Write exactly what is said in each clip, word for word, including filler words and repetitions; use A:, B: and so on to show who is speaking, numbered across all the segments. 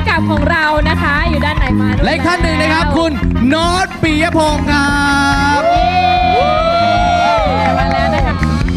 A: ำกับของเรานะคะอยู่ด้านไหนมา
B: และอีกท่านหนึ่งนะครับคุณโน้ตปิยพงศ์ครับ
A: มาแล้วนะคะ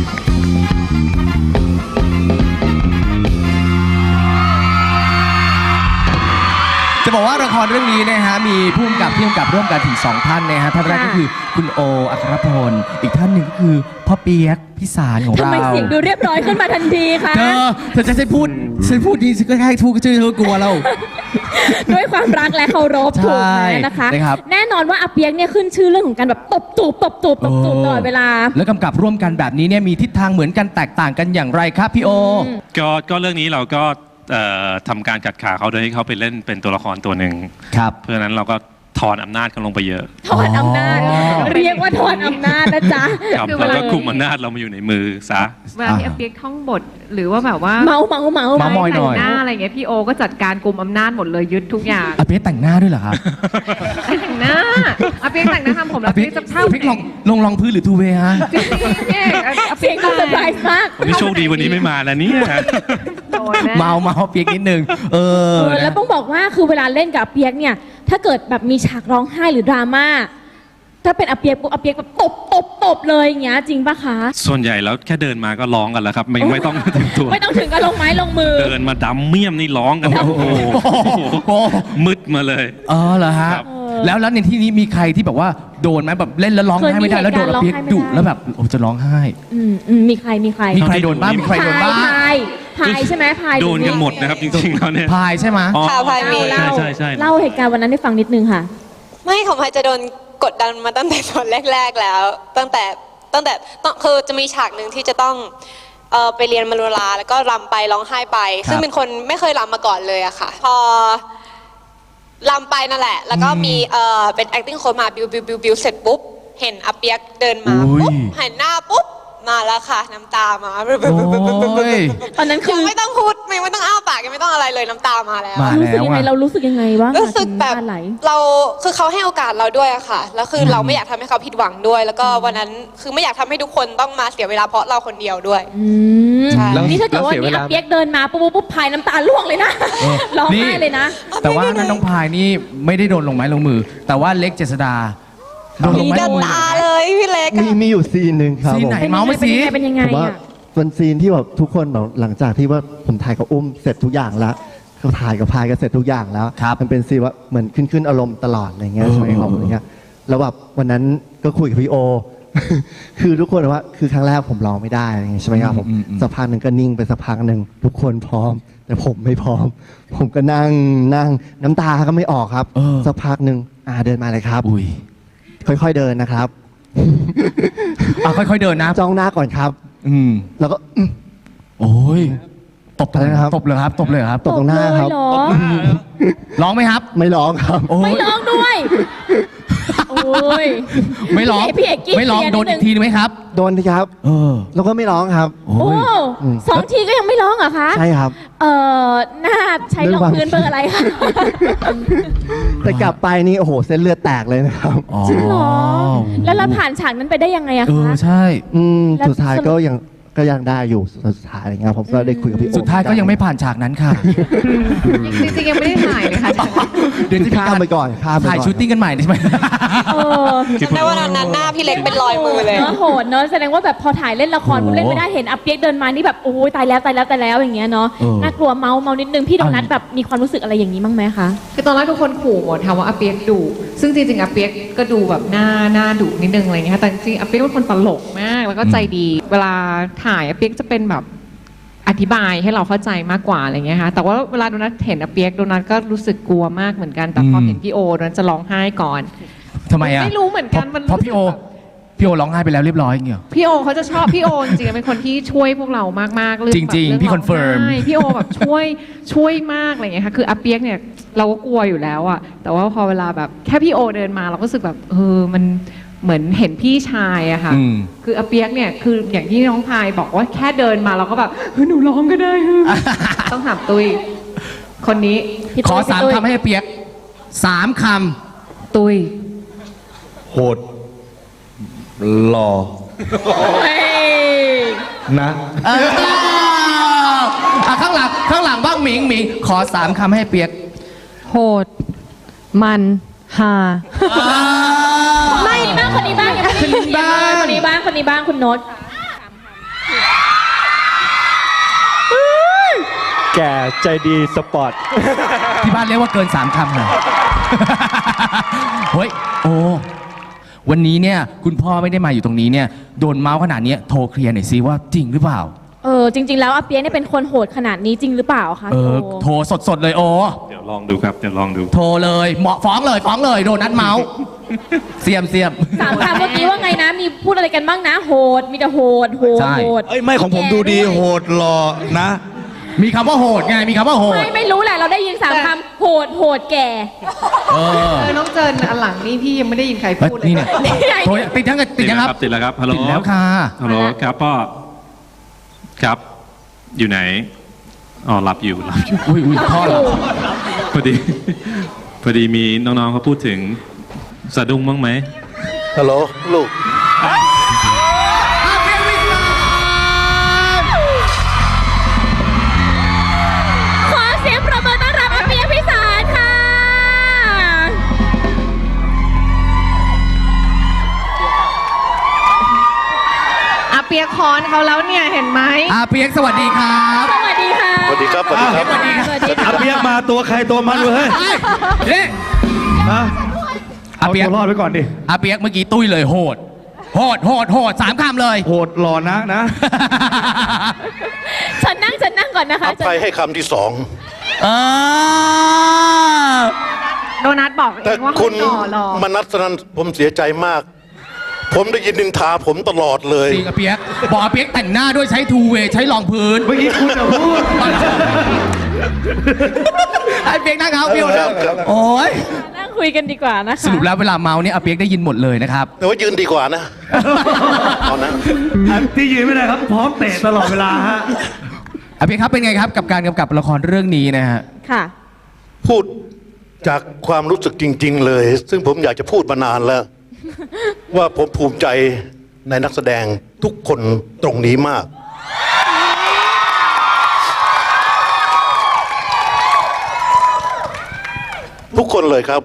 B: จะบอกว่าละครเรื่องนี้นะฮะมีผู้กำกับที่กำกับร่วมกันถึงสองท่านนะฮะท่านแรกก็คือคุณโออัครพลอีกท่านหนึ่งก็คือพ่อเปียกพี่สารของเรา
A: ทำไมเสียงดูเรียบร้อยขึ้นมาทันทีคะ
B: เธอเธอจะใช้พูดฉันพูดดีฉันก็แค่พูดชื่อเธอกลัวเรา
A: ด้วยความรักและเคารพถูกไหมนะคะแน่นอนว่าอาเปียกเนี่ยขึ้นชื่อเรื่องของการแบบตบจูบตบจูบตบจูบตลอดเวลา
B: แล้วกำกับร่วมกันแบบนี้เนี่ยมีทิศทางเหมือนกันแตกต่างกันอย่างไรครับพี่โอ
C: ก็ก็เรื่องนี้เราก็ทำการกัดขาเขาโดยให้เขาไปเล่นเป็นตัวละครตัวหนึ่ง
B: ครับ
C: เพราะฉะนั้นเราก็ถอนอำนาจกันลงไปเยอะ
A: ถอนอำนาจเรียกว่าถอนอำนาจนะจ๊ะ
C: คือเราก็คุมอำนาจเรามาอยู่ในมือซะ
D: เวลาที่อาเปียกท่องบทหรือว่าแบบว่า
A: เมาเมาเมา
B: เมาหน่อย
D: หน้าอะไรเงี้ยพี่โอก็จัดการกุมอำนาจหมดเลยยึดทุกอย่าง
B: อาเปียกแต่งหน้าด้วยเหรอครับ
D: แต่งหน้าอาเปียกแต่งหน้าทำผมแล้วอาเปียกจะเข้า
B: อาเปียกลงลงรองพื้นหรือทูเวฮะ
D: จริงๆ
A: อาเปียกก็เซอร์ไพรส์มาก
C: วันนี้โชคดีวันนี้ไม่มาแล้วเนี่ย
B: เมาเมาเปียกนิดนึงเออ
A: แล้วต้องบอกว่าคือเวลาเล่นกับอาเปียกเนี่ยถ้าเกิดแบบมีฉากร้องไห้หรือดราม่าถ้าเป็นอาเปียกปุ๊บอาเปียกแบบตบตบตบเลยอย่างเงี้ยจริงปะคะ
C: ส่วนใหญ่แล้วแค่เดินมาก็ร้องกันแล้วครับไม่ไม่ต้องถึงตัว
A: ไม่ต้องถึงกับลงไม้ลงมือ
C: เดินมาดำเมี่ยมนี่ร้องกันโอ้โหมืดมาเลย
B: อ๋อเหรอฮะแล้วแล้วในที่นี้มีใครที่แบบว่าโดนไหมแบบเล่นแล้วร้องไห้ไม่ได้แล้วโดนอาเปียกดุแล้วแบบโอ้จะร้องไห้
A: อืมอืมมีใครมีใคร
B: มีใครโดนบ้างมีใครโดนบ้าง
A: พายพายใช่ไหมพาย
C: โดนกันหมดนะครับจริงๆแล้วเนี่ย
B: พายใช่ไหม
E: ค่ะพายมี
C: ใช่ใช่ใช่
A: เล่าเหตุการณ์วันนั้นให้ฟังนิดนึงค่ะ
E: ไม่ของพายจะโดนกดดันมาตั้งแต่ตอนแรกๆแล้วตั้งแต่ตั้งแต่ต้องคือจะมีฉากหนึ่งที่จะต้องเอ่อไปเรียนมโนราแล้วก็รำไปร้องไห้ไปซึ่งเป็นคนไม่เคยรำมาก่อนเลยอะค่ะพอรำไปนั่นแหละแล้วก็มีเอ่อเป็น acting coach มาบิวบิวบิวบิวเสร็จปุ๊บเห็นอาเปียกเดินมาปุ๊บเห็นหน้าปุ๊บมาแล้วค่ะน้ำตามา
A: ตอนนั้นคือ
E: ไม่ต้องพูดไม่ไม่ต้องอ้าปากยังไม่ต้องอะไรเลยน้ำตามาแล้ว
A: รู้สึกยังไงเรารู้สึกยังไงบ้าง
E: รู้สึกแบบเราคือเขาให้โอกาสเราด้วยอะค่ะแล้วคือเราไม่อยากทำให้เขาผิดหวังด้วยแล้วก็วันนั้นคือไม่อยากทำให้ทุกคนต้องมาเสียเวลาเพราะเราคนเดียวด้วย
A: นี่ถ้าเกิดว่ามีอาเปียกเดินมาปุ๊บปุ๊บพายน้ำตาล่วงเลยนะร้องไห้เลยนะ
B: แต่ว่าน้องพายนี่ไม่ได้โดนลงไม้ลงมือแต่ว่าเล็กเจษฎา
E: โดนลงไม้ลงมือเลยพี่เล็ก
F: มีมีอยู่ซีนหนึ่งครับ
B: ซีนไหนเมาส์ไม่ซี
A: เป็นยังไง
F: ว่าเป็นซีนที่แบบทุกคนแบบหลังจากที่ว่าผมถ่ายกับอุ้มเสร็จทุกอย่างแล้วเขาถ่ายกับพายกันเสร็จทุกอย่างแล้วมันเป็นซีนว่าเหมือนขึ้นขึ้นอารมณ์ตลอดอะไรเงี้ยใช่ไหมครับอะไรเงี้ยแล้วแบบวันนั้นก็คุยกับพี่โอคือทุกคนว่าคือครั้งแรกผมร้องไม่ได้ใช่ไหมครับผมสักพักหนึ่งก็นิ่งไปสักพักหนึ่งทุกคนพร้อมแต่ผมไม่พร้อมผมก็นั่งนั่งน้ำตาก็ไม่ออกครับสักพักหนึ่งอ่าเดินมาเลยครับค่อยๆเดินนะครับ
B: อ่ะค่อยๆเดินนะ
F: จ้องหน้าก่อนครับ
B: อืม
F: แล้วก็
B: โอ้ยตบเลยครับตบเลยครับตบเลยครับ
F: ตบตรงหน้าครับ
B: ร้องไหมครับ
F: ไม่ร้องครับ
A: ไม่ร้องด้วยโอ้ย
B: ไม่ร้องไม่ร้องโดนอีกทีไหมครับ
F: โดนทีครับเออแล้วก็ไม่ร้องครับ
A: โอ้สองทีก็ยังไม่ร้องเหรอคะ
F: ใช่ครับ
A: เออหน้าใช้รองพื้นเบอร์อะไรคะ
F: แต่กลับไปนี่โอ้โหเส้นเลือดแตกเลยนะครับ
A: จริงเหรอแล้วเราผ่านฉากนั้นไปได้ยังไงอะคะ
B: เออใช่
F: อืมสุดท้ายก็ยังก็ยังได้อยู่สุดท้ายอะไรเงี้ยผมก็ได้คุยกับพี่โอ
B: สุดท้ายก็ยังไม่ผ่านฉากนั้นค่ะ
D: จริงๆยังไม่ได้ถ่ายเลยค่ะ
F: เดี๋ยวที่ข้ามไปก่อนข้ามไป
B: ถ่ายชูตติ้งกันใหม่ได้ไหม
E: ในวันนั้นหน้าพี่เล็กเป็นรอยมือเลย
A: โหดเนอะแสดงว่าแบบพอถ่ายเล่นละครเล่นไม่ได้เห็นอาเปียกเดินมานี่แบบโอ้ยตายแล้วตายแล้วตายแล้วอย่างเงี้ยเนาะน่ากลัวเมาเมานิดนึงพี่โดนัทแบบมีความรู้สึกอะไรอย่างนี้บ้างไหมคะ
D: คือตอนแรกทุกคนขู่หมดถามว่าอาเปียกดุซึ่งจริงๆอาเปียกก็ดูแบบหน้าหน้าดุนิดนึงอะไรเงี้ยแต่จริงๆอาเปียกเป็นคนตลกมากแล้วก็ใจดีเวลาถ่ายอาเปียกจะเป็นแบบอธิบายให้เราเข้าใจมากกว่าอะไรเงี้ยค่ะแต่ว่าเวลาโดนัทเห็นอาเปียกโดนัทก็รู้สึกกลัวมากเหมือนกันแต่พอเห็นพี่โอโดนัทจะร้องไห้ก่อน
B: ทำไมอ่ะ
D: ไม่รู้เหมือนกัน
B: เพราะพี่โอพี่โอร้องไห้ไปแล้วเรียบร้อยอย่างเงี้ย
D: พี่โอเขาจะชอบพี่โอจริงๆเป็นคนที่ช่วยพวกเรามากๆเรื่อง
B: จริงๆพี่คอนเฟิร์ม
D: พี่โอแบบช่วยช่วยมากอะไรเงี้ยค่ะคืออาเปียกเนี่ยเราก็กลัวอยู่แล้วอ่ะแต่ว่าพอเวลาแบบแค่พี่โอเดินมาเราก็รู้สึกแบบเออมันเหมือนเห็นพี่ชายอะค่ะคืออาเปียกเนี่ยคืออย่างที่น้องพายบอกว่าแค่เดินมาเราก็แบบเฮ้ยหนูร้องก็ได้ต้องถามตุ้ยคนนี้
B: ขอสามคำให้อาเปียกสามค
D: ำตุ้ย
F: โหดหล่อนะ
B: ข้างหลังข้างหลังบ้างหมิงหมิงขอสามคำให้เปียก
D: โหด มันฮา
A: ไม่คนนี้บ้างคนนี้บ้างยังไม่ได้ยินเสียงเลยคนนี้บ้างคนนี้บ้างคุณโน้ต
G: แก่ใจดีสปอร์ต
B: ที่บ้านเรียกว่าเกินสามคำหน่อย เฮ้ยโอ้วันนี้เนี่ยคุณพ่อไม่ได้มาอยู่ตรงนี้เนี่ยโดนเมาส์ขนาดนี้โทรเคลียร์หน่อยซิว่าจริงหรือเปล่า
A: เออจริง ๆ แล้วอาเปียกเนี่ยเป็นคนโหดขนาดนี้จริงหรือเปล่าคะ
B: เออโทรสดๆเลยโอ
C: เดี๋ยวลองดูครับเดี๋ยวลองดู
B: โทรเลยเหมาะฟ้องเลยฟ้องเลยโดนนัดเมาส์ เสียมเสียม
A: สามคำเมื่อกี้ว่าไงนะมีพูดอะไรกันบ้างนะโหดมีแต่โหดโหด
B: ใช่
A: โหด
H: เอ้ยไม่ของผมดูดีโหดหล่อนะ
B: มีคำว่าโหดไงมีคำว่าโหด
A: ไม่ไม่รู้แหละเราได้ยินสามคำโหดโหดแก่
B: เออ
D: เออน้องเจินอันหลังนี่พี่ยังไม่ได้ยินใคร
B: เฮ้ย
D: พูดเลย
B: นี่เนี่ยโทรติดยังติดยังครับ
C: ติดแล้วครับฮัลโหล
B: ติดแล้วค่ะ
C: ฮัลโหลครับพ่อครับอยู่ไหนอ๋อหลับอยู่หลับอยู่
B: อุ้ยอุ้ยพ่อเหรอ
C: พอดี พอดีมีน้องๆเขาพูดถึงสะดุ้งบ้างไหม
H: ฮัลโหลลูก
A: ขอเสียงปรบมือต้อนรับอาเปียกพิสารค่ะ
D: อาเปียกคอนเขาแล้วเนี่ยเห็นไหม
B: อาเปียกสวัสดีครับ
A: สวัสดีค่ะ
H: สวัสดีครับ สวัสดีครับ
A: สวัสดีค่ะสวัสดี
G: อา
A: ค่ะ
G: เปียกมาตัวใครตัวมันเว้ย
B: เฮ้ย
G: ฮะ
B: อา
G: เอา
B: เปียก
G: ตัวรอดไว้ก่อนดิ
B: อาเปียกเมื่อกี้ตุ้ยเลยโหด โหดโหดโหดสามคำเลย
G: โหดหล่อนะนะ
A: ฉันนั่งฉันนั่งก่อนนะคะ
H: อภัยให้คำที่สอง
B: เออ
D: โดนัทบอกเอ
H: แต่
D: งว่า
H: คุ
D: เขา
H: ณ
D: หล่อหล่อ
H: มนัสนันผมเสียใจมาก ผมได้ยินนินทาผมตลอดเลย
B: จริงอาเปียกบอกอาเปียกแต่งหน้าด้วยใช้ทูเวย์ใช้รองพื้น
G: เมื่อกี้คุณจะพูด
B: อาเปียกนั่งครับพี่โอ๊ตโอ้ย
A: นั่งคุยกันดีกว่านะคะ
B: สรุปแล้วเวลาเมาเนี่ยอาเปียกได้ยินหมดเลยนะครับ
H: แต่ว่ายืนดีกว่านะ เอานะ
G: อันที่ยืนไม่ได้ครับ พร้อมเตะตลอดเวลาฮะ
B: อาเปียกครับเป็นไงครับกับการกำกับละครเรื่องนี้นะฮะ
A: ค่ะ
H: พูดจากความรู้สึกจริง ๆ เลย ซึ่งผมอยากจะพูดมานานแล้ว ว่าผมภูมิใจในนักแสดงทุกคนตรงนี้มาก ทุกคนเลยครับ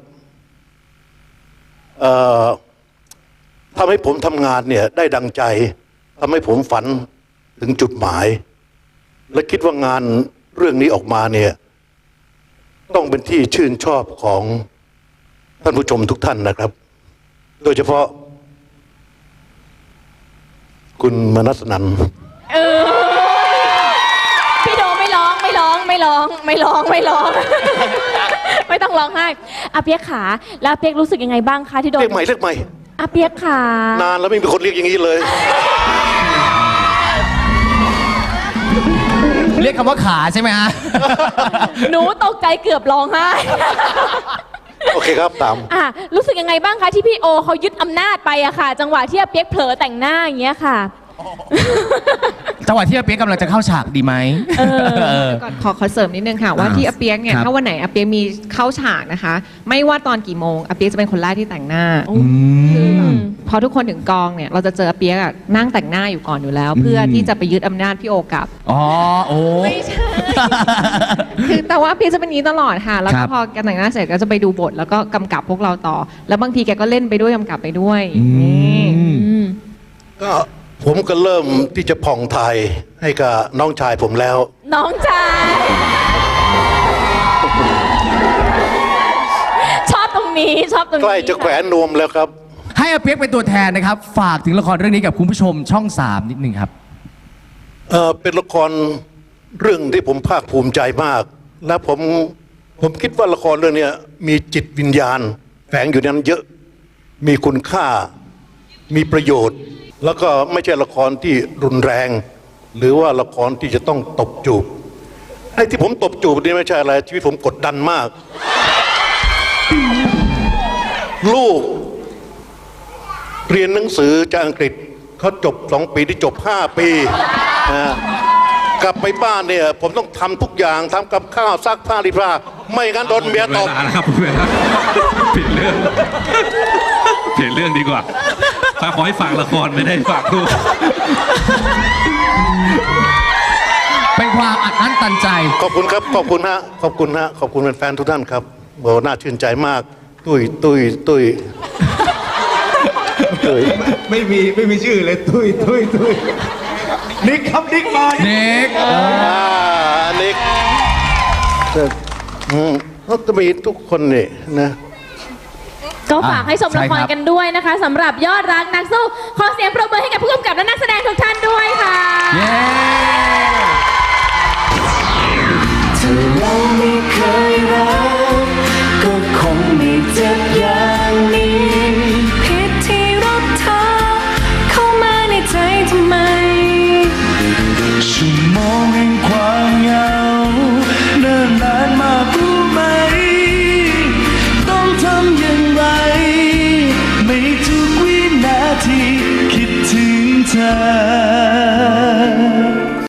H: เอ่อทำให้ผมทำงานเนี่ยได้ดังใจทำให้ผมฝันถึงจุดหมาย และคิดว่างานเรื่องนี้ออกมาเนี่ยต้องเป็นที่ชื่นชอบของท่านผู้ชมทุกท่านนะครับ โดยเฉพาะ คุณมนัสนันท์
A: เออพี่โดไม่ร้องไม่ร้องไม่ร้องไม่ร้องไม่ร้อง ไม่ต้องร้องไห้อาเปียกขาแล้วอาเปียกรู้สึกยังไงบ้างคะที่โดน
H: เรียกใหม่เรียกใหม่
A: อาเปียกขาน
H: านแล้วไม่มีคนเรียกอย่างนี้เลย
B: เรียกคำว่าขาใช่ไหมฮะ
A: หนูตกใจเกือบร้องไห้
H: โอเคครับตาม
A: อ่ะรู้สึกยังไงบ้างคะที่พี่โอเขายึดอำนาจไปอะค่ะ จังหวะที่อาเปียกเผลอแต่งหน้าอย่างเงี้ยค่ะ
B: จังหวะที่อาเปียกกำลังจะเข้าฉากดีไหม
A: เออ
D: ก่อนขอขอเสริมนิดนึงค่ะว่า
B: อ่า
D: ที่อาเปียกเนี่ย
B: ครับ
D: ถ้าวันไหนอาเปียกมีเข้าฉากนะคะ ไม่ว่าตอนกี่โมงอาเปียกจะเป็นคนแรกที่แต่งหน้า
B: อืม
D: พอทุกคนถึงกองเนี่ยเราจะเจออาเปียกอะนั่งแต่งหน้าอยู่ก่อนอยู่แล้ว เพื่อที่จะไปยึดอำนาจพี่โอกลับ
B: อ๋อโอ้
D: ไม่ใช่ คือแต่ว่าอาเปียกจะเป็นอย่างนี้ตลอดค่ะ แล้ว
B: ครั
D: ก็
B: บ
D: พอแกแต่งหน้าเสร็จก็จะไปดูบท แล้วก็กำกับพวกเราต่อ แล้วบางทีแกก็เล่นไปด้วยกำกับไปด้วย
B: อื
D: นี่
B: ม
A: อืม
H: ก็ผมก็เริ่มที่จะผ่องไทยให้กับน้องชายผมแล้ว
A: น้องชายชอบตรงนี้ชอบตรงนี้
H: ใกล้จะแขวนนวมแล้วครับ
B: ให้อาเปียกเป็นตัวแทนนะครับ ฝากถึงละครเรื่องนี้กับคุณผู้ชมช่องสามนิดนึงครับ
H: เอ่อเป็นละครเรื่องที่ผมภาคภูมิใจมาก และผมผมคิดว่าละครเรื่องเนี้ยมีจิตวิญญาณ แฝงอยู่ในนั้นเยอะมีคุณค่า มีประโยชน์ แล้วก็ไม่ใช่ละครที่รุนแรง หรือว่าละครที่จะต้องตบจูบไอ้ที่ผมตบจูบนี่ไม่ใช่อะไรชีวิตผมกดดันมาก ลูก เรียนหนังสือจากอังกฤษเขาจบสองปีที่จบห้าปีนะกลับไปบ้านเนี่ย ผมต้องทำทุกอย่างทำกับข้าวซักผ้ารีดผ้าไม่งั้นโดนเมียตบ
C: เวลานะครับเวลาผิดเรื่องเปลี่ยนเรื่องดีกว่าขอให้ฝากละครไม่ได้ฝากลูก
B: เป็นความอัดอั้นตันใจ
H: ขอบคุณครับ ขอบคุณฮะขอบคุณฮะขอบคุณแฟนๆทุกท่านครับโอ้น่าชื่นใจมาก ตุ้ยตุ้ยตุ้ยตุ้ย
G: ไม่มีไม่มีชื่อเลย ตุ้ยตุ้ยตุ้ยนิกครับนิกมา
B: นิก
H: อ่าอันนี้แต่อืมก็จะมีทุกคนนี่นะ
A: ก็ฝากให้ชมละค
B: ใช่ค
A: ร
B: รับ
A: กันด้วยนะคะสำหรับยอดรักนักสู้ขอเสียงปรบมือให้กับผู้กำกับและนักแสดงทุกท่านด้วยค่ะ
B: เย้
I: ถ้าเราไม่เคยรักก็คงไม่เจ็บอย่างนี้ผิดที่รักเธอเข้ามาในใจทำไมชั่วโมงแห่งความเหงาเนิ่นนานมากรู้ไหมต้องทำอย่างไรไม่ทุกวินาทีคิดถึงเธอ